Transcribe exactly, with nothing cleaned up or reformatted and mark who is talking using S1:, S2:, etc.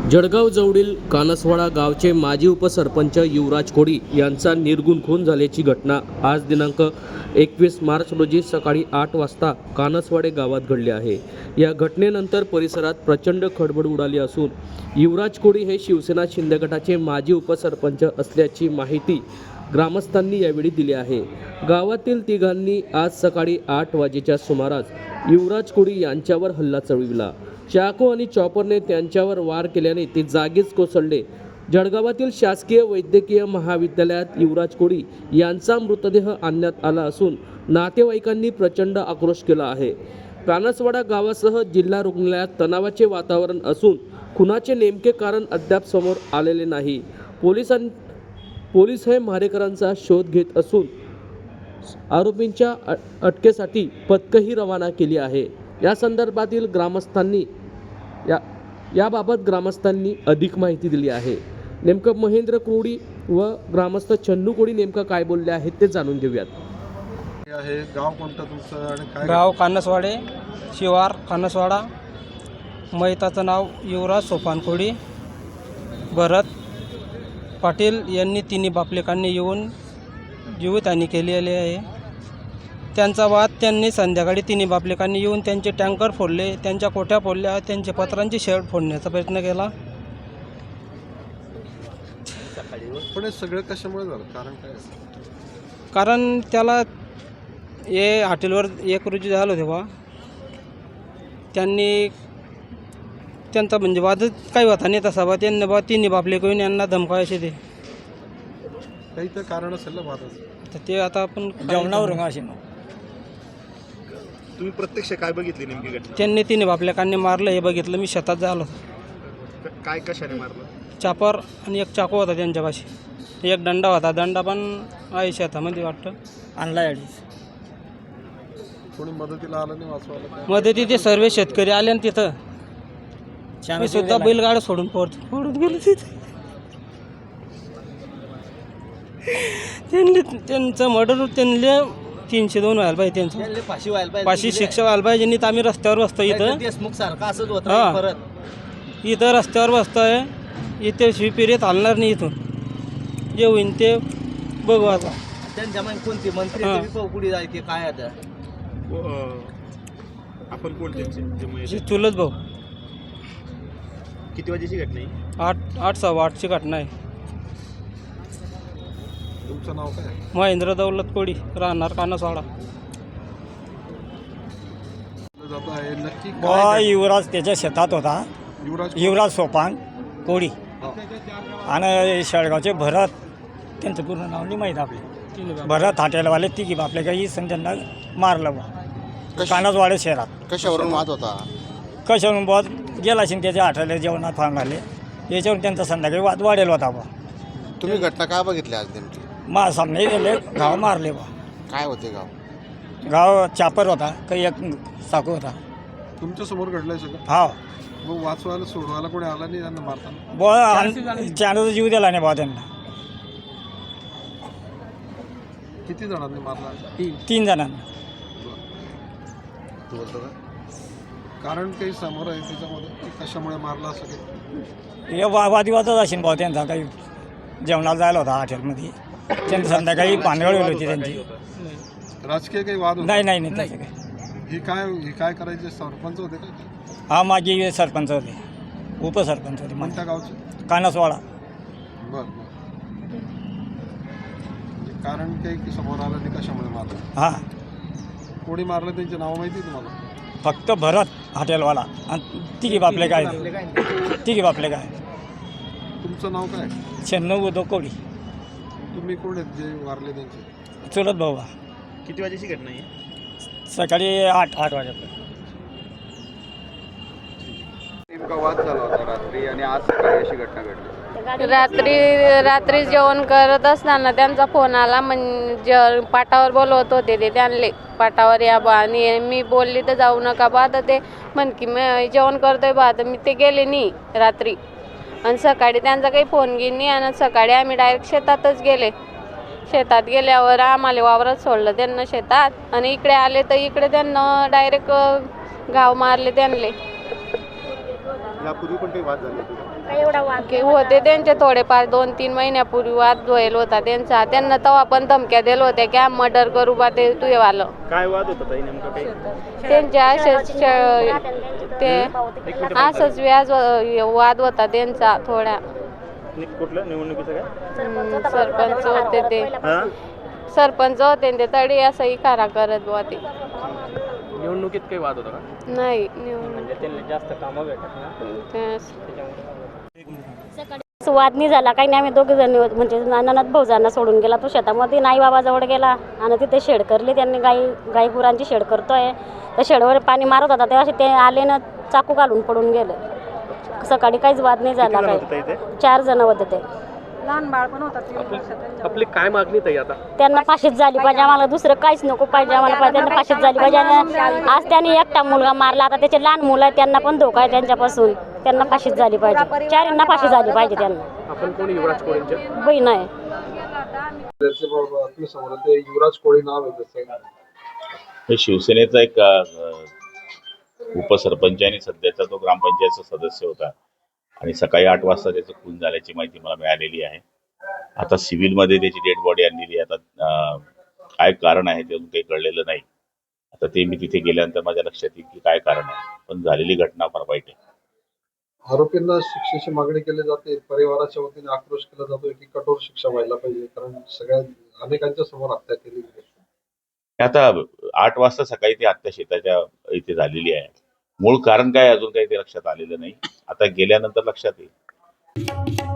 S1: जळगाव जवळील कानसवाडा गावचे माजी उपसरपंच युवराज कोडी यांचा निर्गुण खून झाल्याची घटना आज दिनांक एकवीस मार्च रोजी सकाळी आठ वाजता कानसवाडे गावात घडली आहे। या घटनेनंतर परिसरात प्रचंड खळबळ उडाली असून युवराज कोडी हे शिवसेना शिंदे गटाचे माजी उपसरपंच असल्याची माहिती ग्रामस्थांनी यावेळी दिली आहे। गावातील तिघांनी आज सकाळी आठ वाजेच्या सुमारास युवराज कोडी यांच्यावर हल्ला चढविला। चाकू आणि चॉपरने त्यांच्यावर वार केल्याने ते जागीच कोसळले। जळगावातील शासकीय वैद्यकीय महाविद्यालयात युवराज कोडी यांचा मृतदेह आणण्यात आला असून नातेवाईकांनी प्रचंड आक्रोश केला आहे। कानसवाडा गावासह जिल्हा रुग्णालयात तणावाचे वातावरण असून खुनाचे नेमके कारण अद्याप समोर आलेले नाही। पोलिसां पोलीस हे मारेकरांचा शोध घेत असून आरोपींच्या अटकेसाठी पथकही रवाना केली आहे। या संदर्भातील ग्रामस्थांनी या याबाबत ग्रामस्थांनी अधिक माहिती दिली आहे। नेमकं महेंद्र कोडी व ग्रामस्थ चन्नू कोडी नेमकं काय बोलले आहेत ते जाणून घेऊयात।
S2: आहे गाव कोणतं तुमचं आणि काय?
S3: गाव कानसवाडे, शिवार कानसवाडा। मैताचं नाव युवराज सोपान कोडी। भरत पाटील यांनी तिन्ही बापलेकांनी येऊन जीवितहानी केलेली आहे। त्यांचा वाद त्यांनी संध्याकाळी तिन्ही बापलेकांनी येऊन त्यांचे टँकर फोडले, त्यांच्या कोठ्या फोडल्या, त्यांचे पत्रांची शेड फोडण्याचा प्रयत्न केला।
S2: पण हे सगळं कशामुळे झालं, कारण काय?
S3: कारण त्याला हे हॉटेलवर एक रोजी झालं तेव्हा त्यांनी त्यांचा म्हणजे वादच काही होता नाही तसा बा। त्यांनी बा तिन्ही बापले करून यांना धमकायचे ते
S2: काही तर कारण असेल ना वादाचं,
S3: तर ते आता आपण
S4: जेवणावर असे
S5: तुम्ही प्रत्यक्ष काय बघितली नेमकी घटना?
S3: त्यांनी तिन्ही बापलेकांनी मारलं हे बघितलं। मी शेतात झालो,
S5: काय कशाने मारलं?
S3: चापर आणि एक चाकू होता त्यांच्यापाशी, एक दंडा होता। दंडा पण आहे शेतामध्ये वाटतं
S4: आणला अडीच।
S2: कोणी मदतीला आलं नाही वाचवायला काय?
S3: मध्ये ते सर्व शेतकरी आले आणि तिथं मी सुद्धा बैलगाडा सोडून पोहत पडून गेलो तिथे। त्यांनी त्यांचं मर्डर त्यांना तीनशे दोन व्हायला पाहिजे, त्यांचं
S4: फाशी व्हायला पाहिजे,
S3: पाचशे शिक्षा व्हायला पाहिजे। तर आम्ही रस्त्यावर बसतो इथं,
S4: देशमुख सारखं असंच
S3: हां.
S4: होतं परत।
S3: इथं रस्त्यावर बसतोय, इथे शिपिरीत हलणार नाही। इथून जे होईन ते बघू आता।
S4: त्यांच्या मग कोणती मंत्री
S3: हां.
S4: ते पुढे जायचे काय आता?
S5: अं, आपण कोण त्यांचे जे महेश?
S3: जी चुलत भाऊ।
S5: किती वाजेची घटना आहे?
S3: आठ आठ सव्वा आठची घटना आहे।
S2: तुमचं नाव काय?
S3: महेंद्र दौलत कोडी, राहणार कानसवाडा।
S2: जात आहे नक्की
S4: बा
S2: काय?
S4: युवराज त्याच्या शेतात होता,
S2: युवराज
S4: युवराज सोपान कोडी।
S2: हा.
S4: आणि शेळगावचे भरत, त्यांचं पूर्ण नाव नाही माहीत आपले, भरत हॉटेलवाले तिघी आपले काही सण त्यांना मारलं बा कानसवाडे शहरात।
S6: कशावरून वाद होता?
S4: कशावरून बॉस गेला असेल त्याच्या हॉटेल जेवणात फार आले, याच्यावरून त्यांचा संध्याकाळी वाद वाढेल होता बा।
S6: तुम्ही घटना काय बघितली आज नेमकी?
S4: मा सामने गेले, गाव मारले बा।
S6: काय होते गाव?
S4: गाव चापर होता, काही एक चाकू होता।
S2: तुमच्या समोर घडलंय सगळं?
S4: हा
S2: मग वाचवायला सोडवायला कोणी आला नाही त्यांना मारताना?
S4: बॉ चांदचा जीव दिला नाही बा त्यांना।
S2: किती जणांनी मारला?
S4: तीन जणांना।
S6: तू बोलतो का?
S2: कारण काही समोर आहे त्याच्यामध्ये की कशामुळे मारला असं काही?
S4: हे वा वादिवादच असेल भाऊ त्यांचा, काही जेवणाला जायला होता हॉटेलमध्ये, त्यांची संध्याकाळी पानगळ होती त्यांची।
S2: राजकीय काही वाद होता?
S4: नाही नाही नाही तसं काही।
S2: ही काय ही काय करायचे? सरपंच होते का?
S4: हा माझी सरपंच होते, उपसरपंच होते
S2: कोणत्या गावचे?
S4: कानसवाडा।
S2: बरं बरं. म्हणजे कारण काही की समोर आलं नाही कशामुळे मारलं?
S4: हां,
S2: कोणी मारलं त्यांचे नाव माहिती आहे तुम्हाला?
S4: फक्त भरत हॉटेलवाला आणि तिघी बापले काय तिघी बापले काय
S2: तुमचं नाव काय?
S4: शहाण्णव उदो कोडी।
S2: तुम्ही कोण आहेत जे मारले त्यांचे?
S4: चुलत भाऊ बा।
S5: किती वाजेची घटना आहे?
S4: सकाळी आठ आठ वाजेपर्यंत।
S7: नेमका वाद झाला होता रात्री आणि आज सकाळी अशी घटना घडली।
S8: रात्री रात्री जेवण करत असताना त्यांचा फोन आला, म्हणजे पाटावर बोलवत होते ते त्यांले, पाटावर या बा। आणि मी बोलली तर जाऊ नका बा, तर ते म्हण की मी जेवण करतोय बा, तर मी ते गेले नाही रात्री। आणि सकाळी त्यांचा काही फोन घेईन नाही, आणि सकाळी आम्ही डायरेक्ट शेतातच गेले। शेतात गेल्यावर आम्हाला वावरात सोडलं त्यांना शेतात, आणि इकडे आले तर इकडे त्यांना डायरेक्ट घाव मारले त्यांले।
S2: यापूर्वी पण काही वाद झाले होते
S8: की होते त्यांचे थोडेफार दोन तीन महिन्यापूर्वी वाद व्हायला होता त्यांचा. त्यांना तेव्हा पण धमक्या दिल्या होत्या की आम्ही मर्डर करू बा ते तुझेवालं.
S5: काय वाद होता ताई नेमकं काही?
S8: त्यांच्या असेच ते असंच व्याज वाद होता त्यांचा थोडा.
S5: नि- कुठलं निवडणुकीचं काय?
S8: हम्म, सरपंच होते ते
S5: हा
S8: सरपंच होते ते तरी असं इकारा करत बुवा ते.
S1: निवडणुकीत काही वाद होता का?
S8: नाही निवडणूक
S3: त्यांना जास्त कामं भेटत ना
S8: ते-
S9: वाद नाही झाला काही नाही. आम्ही दोघे जण म्हणजे ननद भाऊजांना सोडून गेला तो शेतामध्ये, आई बाबाजवळ गेला आणि तिथे शेड करली त्यांनी. गाई गाई गुरांची शेड करतोय. त्या शेडवर पाणी मारत होता तेव्हा ते आले ना चाकू घालून पडून गेले. सकाळी काहीच वाद नाही झाला.
S5: किती जण होते ताई
S9: काही
S5: ते?
S9: चार जण होते ते.
S1: आपली काय मागणी ताई आता?
S9: त्यांना फाशीच झाली पाहिजे. आम्हाला दुसरं काहीच नको पाहिजे. आम्हाला पाहिजे त्यांना फाशीच झाली पाहिजे. आणि आज त्यांनी एकटा मुलगा मारला, आता त्याचे लहान मुलं आहेत त्यांना पण धोका आहे त्यांच्यापासून. त्यांना फाशीच झाली पाहिजे. चारींना फाशी झाली पाहिजे. त्यांना
S1: आपण कोण युवराज कोळींचे?
S9: बहीण आहे.
S2: आपल्या समोर ते युवराज कोळी नाव आहे त्याचं.
S10: हे शिवसेनेचा एक अ, उपसरपंच आणि सध्याचा तो ग्रामपंचायतचा सदस्य होता आणि सकाळी आठ वाजता त्याचं खून झाल्याची माहिती मला मिळालेली आहे. आता सिव्हिलमध्ये त्याची डेड बॉडी आणलेली आहे. आता अ, काय कारण आहे ते अजून काही कळलेलं नाही. आता ते मी तिथे गेल्यानंतर माझ्या लक्षात येईल की काय कारण आहे. पण झालेली घटना फार वाईट आहे.
S2: आरोपींना शिक्षेची मागणी केली जाते. परिवाराच्या वतीने आक्रोश केला जातोय की कठोर शिक्षा व्हायला पाहिजे, कारण सगळ्या अनेकांच्या समोर हत्या केली गेली.
S10: आता आठ वाजता सकाळी ती हत्या शेताच्या इथे झालेली आहे. मूळ कारण काय अजून काही ते लक्षात आलेलं नाही. आता गेल्यानंतर लक्षात येईल.